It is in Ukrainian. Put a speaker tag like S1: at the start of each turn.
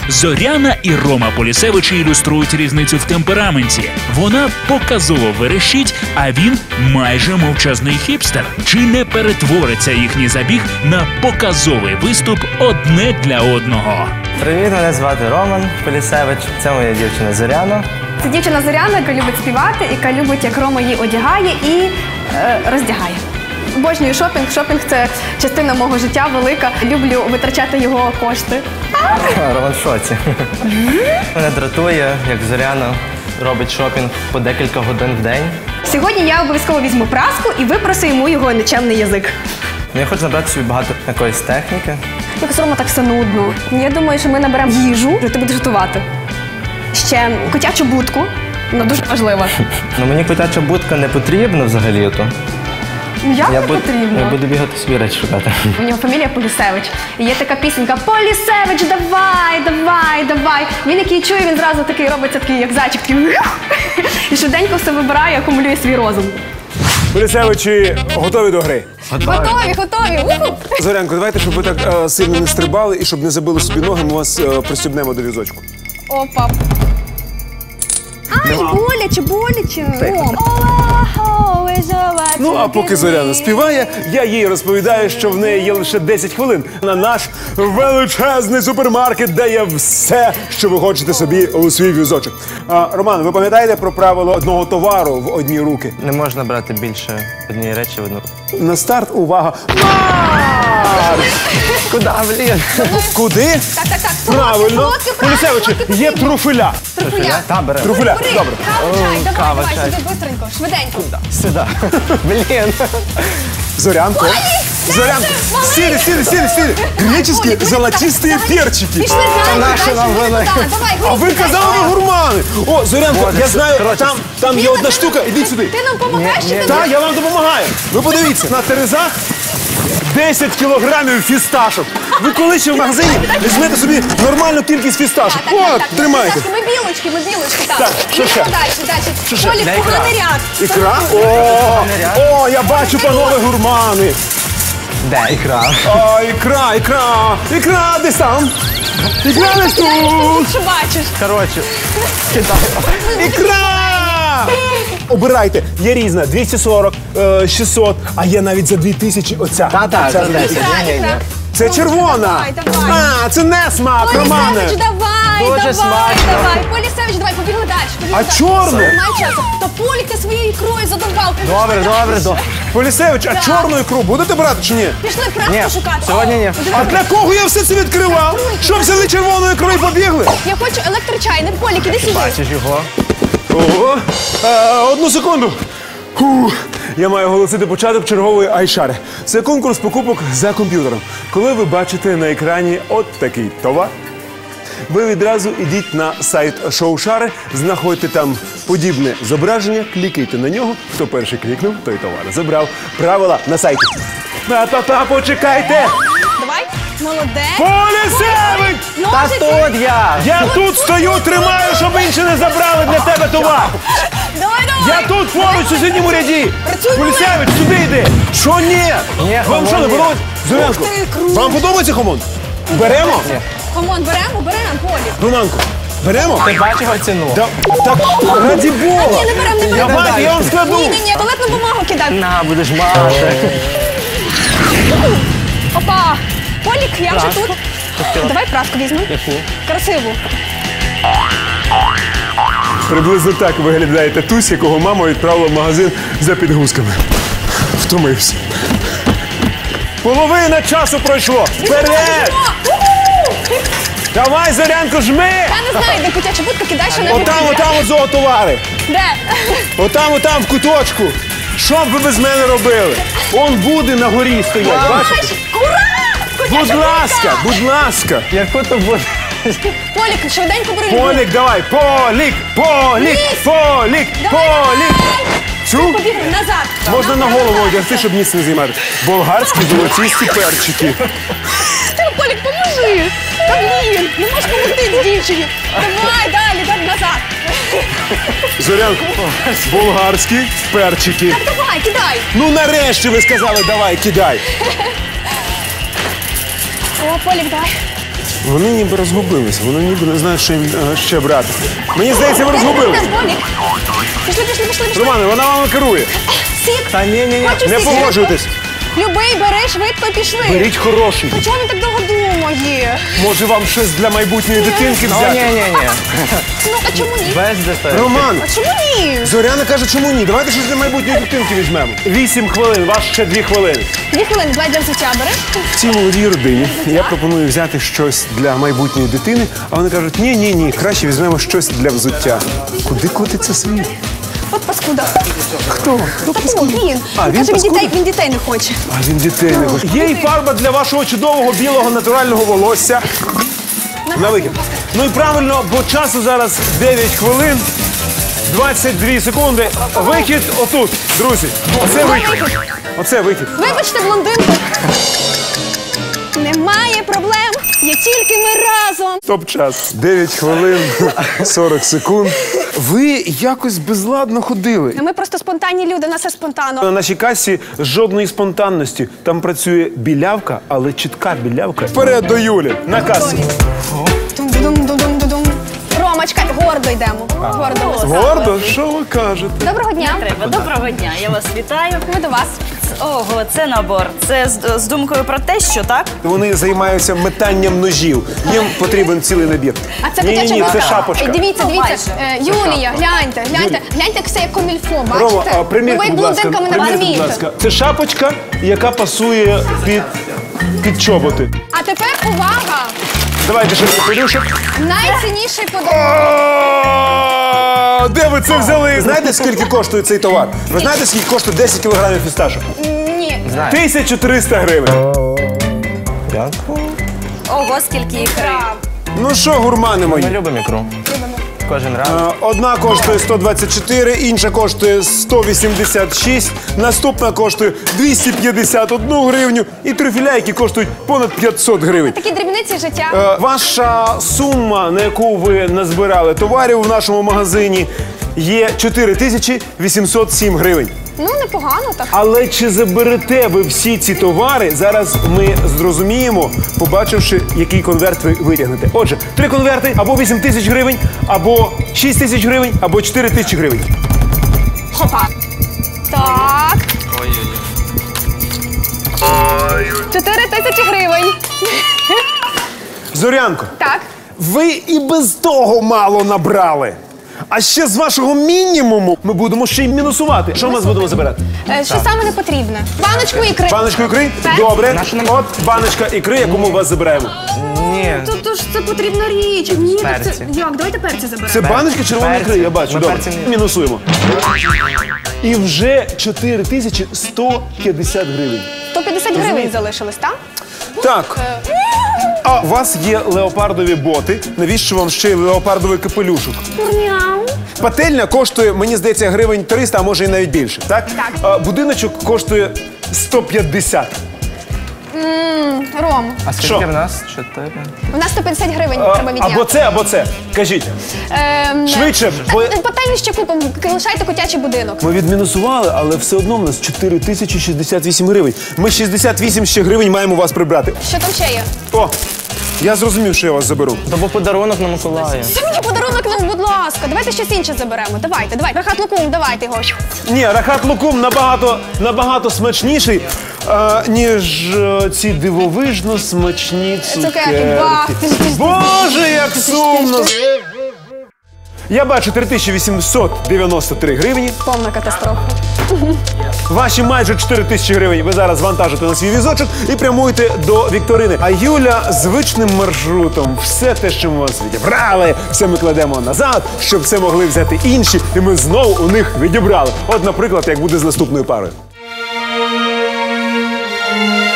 S1: Зоряна і Рома Полісевичі ілюструють різницю в темпераменті. Вона показово верещить, а він майже мовчазний хіпстер. Чи не перетвориться їхній забіг на показовий виступ одне для одного?
S2: Привіт, мене звати Роман Полісевич. Це моя дівчина Зоряна.
S3: Це дівчина Зоряна, яка любить співати, яка любить, як Рома її одягає і роздягає. Обожнюю шопінг. Шопінг – це частина мого життя велика. Люблю витрачати його кошти.
S2: Роман в шоці. Мене дратує, як Зоряна робить шопінг по декілька годин в день.
S3: Сьогодні я обов'язково візьму праску і випросу йому його нечемний язик.
S2: Я хочу набрати собі багато якоїсь техніки.
S3: Якось Рома так все нудно. Я думаю, що ми наберемо їжу, і ти будеш готувати. Ще котячу будку, вона дуже важлива.
S2: Ну мені котяча будка не потрібна взагалі-то.
S3: Як не потрібно?
S2: Я буду бігати собі речі шукати.
S3: У нього фамілія Полісевич. І є така пісенька «Полісевич, давай, давай, давай». Він який чує, він зразу такий робиться, такий, як зайчик, такий і швиденько все вибирає, акумулює свій розум.
S4: Полісевичі готові до гри?
S3: Готові! Уху!
S4: Зорянко, давайте, щоб ви так сильно не стрибали і щоб не забили собі ноги, ми вас пристібнемо до візочку.
S3: Опа! Ай, боляче!
S4: Ну, а поки Зоряна співає, я їй розповідаю, що в неї є лише 10 хвилин на наш величезний супермаркет, де є все, що ви хочете собі у свій візочок. Роман, ви пам'ятаєте про правило одного товару в одні руки?
S2: Не можна брати більше однієї речі в одну руку.
S4: На старт, увага! Марш!
S2: Куди, блін?
S4: Куди?
S3: Так.
S4: Правильно. Полісевичі, є труфеля.
S2: Та, беремо.
S4: Труфеля, добре.
S2: Кава,
S3: Давай,
S2: чай.
S3: сюди бистренько, швиденько.
S2: Сюди. Блін.
S4: Зорянко. Зорянко. Сели. Греческие золотистые перчики.
S3: Пішли далі,
S2: наші нам вели.
S3: Давай,
S4: А ви казали, ви гурмани. О, Зорянко, я знаю, там є одна штука. Ідіть сюди.
S3: Ти нам допомагаєш чи ти?
S4: Так, я вам допомагаю. Ви подивіться, на терезах 10 кілограмів фісташок. Ви коли ще в магазині візьмете собі нормальну кількість фісташок. От, тримайте.
S3: Ми білочки, так.
S4: Так, що ще?
S3: Далі. Полік, поганий ряд.
S4: Ікра? О, я бачу, панове гурмани.
S2: Де ікра?
S4: О, ікра, десь там. Ікра десь тут.
S3: Що бачиш?
S2: Коротше, кидаю.
S4: Ікра! Обирайте, є різна, 240, 600, а є навіть за 2000 оця.
S2: Та,
S4: Ця
S2: це 10. Ні.
S4: Це червона.
S3: Давай.
S4: А, це не смак, Романе.
S3: Полісевич, давай.
S2: Дуже смачно.
S3: Полісевич, давай, побігли далі.
S4: А чорну?
S3: Немає часу. Та Полік, ти своєю ікрою задовбав.
S2: Добре.
S4: Полісевич, а чорну ікру будете брати чи ні?
S3: Пішли
S2: Ні,
S3: праску шукати.
S2: сьогодні ні.
S4: А для кого я все це відкривав? Що взяли червону ікру і побігли?
S3: Я хочу електрочайник. Полік, іди сюди.
S2: Бачиш його?
S4: Ого. Одну секунду. Я маю оголосити початок чергової айшари. Це конкурс покупок за комп'ютером. Коли ви бачите на екрані от такий товар, ви відразу йдіть на сайт Шоушари, знаходьте там подібне зображення, клікайте на нього. Хто перший клікнув, той товар забрав. Правила на сайті. Та почекайте!
S3: Давай. Молодець.
S4: Полісевич!
S2: Та тут я!
S4: Я тут стою, тримаю, щоб інші не забрали для тебе товар.
S3: Давай.
S4: Я тут поруч у сусідньому ряді.
S3: Працюй,
S4: Полісевич, сюди йди. Що ні?
S2: Ні,
S4: Вам що, не
S2: хамон ні.
S4: подобається? Зорянко,
S3: Ух ти, круто.
S4: вам подобається хамон? Беремо?
S3: Хамон, беремо, Полік.
S4: Романко, беремо?
S2: Ти бачиш його ціну?
S4: Так, раді Бога.
S3: Ні, не беремо.
S4: Я вам складу.
S3: Ні, туалетну бумагу кидай.
S2: На, будеш мати.
S3: Опа. Полік, я вже тут. Давай праску візьму. Красиву.
S4: Приблизно так виглядає татусь, якого мама відправила в магазин за підгузками. Втомився. Половина часу пройшло. Вперед! Давай, Зорянко, жми!
S3: Я не знаю, де котяча будка, кидай ще на
S4: Отам от зоотовари.
S3: Де?
S4: Отам в куточку. Що б ви без мене робили? Он буде на горі стоять, бачите?
S3: Ура!
S4: Будь ласка.
S2: Яку то буде?
S3: Полік, швиденько бери.
S4: Полік, давай. Полік. Чу?
S3: Побігли назад.
S4: Можна на голову одягти, щоб ніс не займати. Болгарські золотісті перчики.
S3: Полік, поможи. Та блін, не можеш допомогти дівчині. Давай, далі, назад.
S4: Зорянко, болгарські перчики.
S3: Так, давай, кидай.
S4: Ну нарешті ви сказали, давай, кидай.
S3: О, Полік, давай.
S4: Вони ніби розгубилися, вони ніби не знають, що їм ще брати. Мені здається, ви розгубилися.
S3: Пішли.
S4: Романе, вона вами керує.
S3: Сік.
S2: Та ні.
S3: Хочу
S4: Не
S3: сік.
S4: погоджуйтесь.
S3: Любий, бери, швидко, пішли.
S4: Беріть хороший.
S3: А чого він так довго думає?
S4: Може вам щось для майбутньої дитинки взяти?
S2: Ні.
S3: Ну, а чому ні?
S2: Без дитини.
S4: Роман,
S3: А чому ні?
S4: Зоряна каже, чому ні? Давайте щось для майбутньої дитинки візьмемо. 8 хвилин, вас ще 2 хвилини.
S3: 2 хвилини, давай для взуття бери.
S4: В цій молодій родині я пропоную взяти щось для майбутньої дитини, а вони кажуть, ні, краще візьмемо щось для взуття. Куди котиться світ?
S3: От паскуда.
S4: Хто?
S3: Він.
S4: А, він
S3: Каже,
S4: паскуда?
S3: він дітей не хоче.
S4: А він дітей не хоче. Є і фарба для вашого чудового білого натурального волосся. На викид. Ну і правильно, бо часу зараз 9 хвилин, 22 секунди. Вихід отут, друзі. Оце вихід. Оце вихід.
S3: Вибачте, блондинку. Немає проблем, є тільки ми разом.
S4: Стоп-час. 9 хвилин, 40 секунд. Ви якось безладно ходили.
S3: Ми просто спонтанні люди, у нас все спонтанно.
S4: На нашій касі жодної спонтанності. Там працює білявка, але чітка білявка. Вперед до Юлі, на касу.
S3: Дум-дум-дум-дум-дум. Рома, чекай, гордо йдемо. Гордо.
S4: Гордо, що ви кажете?
S3: Доброго дня.
S5: Треба. Доброго дня, я вас вітаю.
S3: Ми до вас.
S5: Ого, це набор. Це з думкою про те, що так?
S4: Вони займаються метанням ножів. Їм потрібен цілий набір.
S3: А це
S4: Ні,
S3: котяча
S4: це
S3: бабка.
S4: шапочка.
S3: Дивіться.
S5: Ну,
S3: Юлія, гляньте, як все як комільфо,
S4: Рома,
S3: бачите?
S4: примірте,
S3: Ви
S4: будь ласка,
S3: блондинками не
S4: примірте, будь
S3: розумієте.
S4: ласка. Це шапочка, яка пасує під чоботи.
S3: А тепер увага!
S4: Давайте ще Ілюша.
S3: Найцінніший подарунок.
S4: Де ви це взяли? Знаєте, скільки коштує цей товар? Ви знаєте, скільки коштує 10 кілограмів фісташок?
S3: Ні.
S4: 1300 гривень.
S2: Дякую.
S5: Ого, скільки ікри.
S4: Ну що, гурмани мої?
S2: Ми любимо ікру. Кожен раз.
S4: Одна коштує 124, інша коштує 186, наступна коштує 251 гривню і трюфеля, які коштують понад 500 гривень.
S3: Такі дрібниці життя.
S4: Ваша сума, на яку ви назбирали товарів в нашому магазині, є 4807 гривень.
S3: Ну, непогано так.
S4: Але чи заберете ви всі ці товари, зараз ми зрозуміємо, побачивши, який конверт ви витягнете. Отже, 3 конверти, або 8 тисяч гривень, або 6 тисяч гривень, або 4 тисячі гривень.
S3: Хопа. Так. 4000 гривень.
S4: Зорянко,
S3: Так.
S4: ви і без того мало набрали. А ще з вашого мінімуму ми будемо ще й мінусувати. Що ми будемо забирати?
S3: Що саме не потрібне? Баночку ікри.
S4: Баночку ікри?
S3: Так.
S4: Добре.
S2: Нашу не-
S4: От баночка ікри, яку ми у вас забираємо.
S2: Ні.
S3: Тут ж це потрібна річ. Ні, так це...
S2: Перці.
S3: Як? Давайте перці заберемо.
S4: Це баночка червоної
S2: Перці.
S4: ікри, я бачу.
S2: Ми
S4: Добре.
S2: перці не-
S4: Мінусуємо. І вже 4150 гривень.
S3: 150 гривень залишилось, так?
S4: Так. А у вас є леопардові боти. Навіщо вам ще й леопардовий капелюшок?
S3: Мяу.
S4: Пательня коштує, мені здається, гривень 300, а може і навіть більше. Так?
S3: Так.
S4: Будиночок коштує 150.
S3: Ром,
S2: А скільки
S4: Що?
S2: в нас? 4.
S3: у нас 150 гривень треба відняти.
S4: Або це. Кажіть. Швидше, бо-
S3: Пательню ще купимо, лишайте котячий будинок.
S4: Ми відмінусували, але все одно в нас 4068 гривень. Ми 68 ще гривень маємо у вас прибрати.
S3: Що там ще є?
S4: О, я зрозумів, що я вас заберу.
S2: Тобто подарунок на Миколая.
S3: Це мені подарунок нам, будь ласка. Давайте щось інше заберемо. Давайте. Рахат лукум, давайте його.
S4: Ні, рахат лукум набагато смачніший, ніж ці дивовижно смачні цукерки.
S3: Бах, ти ж-
S4: Боже, як сумно! Я бачу 3893 гривні.
S3: Повна катастрофа.
S4: Ваші майже 4000 гривень ви зараз вантажите на свій візочок і прямуєте до вікторини. А Юля звичним маршрутом все те, що ми вас відібрали, все ми кладемо назад, щоб все могли взяти інші, і ми знову у них відібрали. От, наприклад, як буде з наступною парою.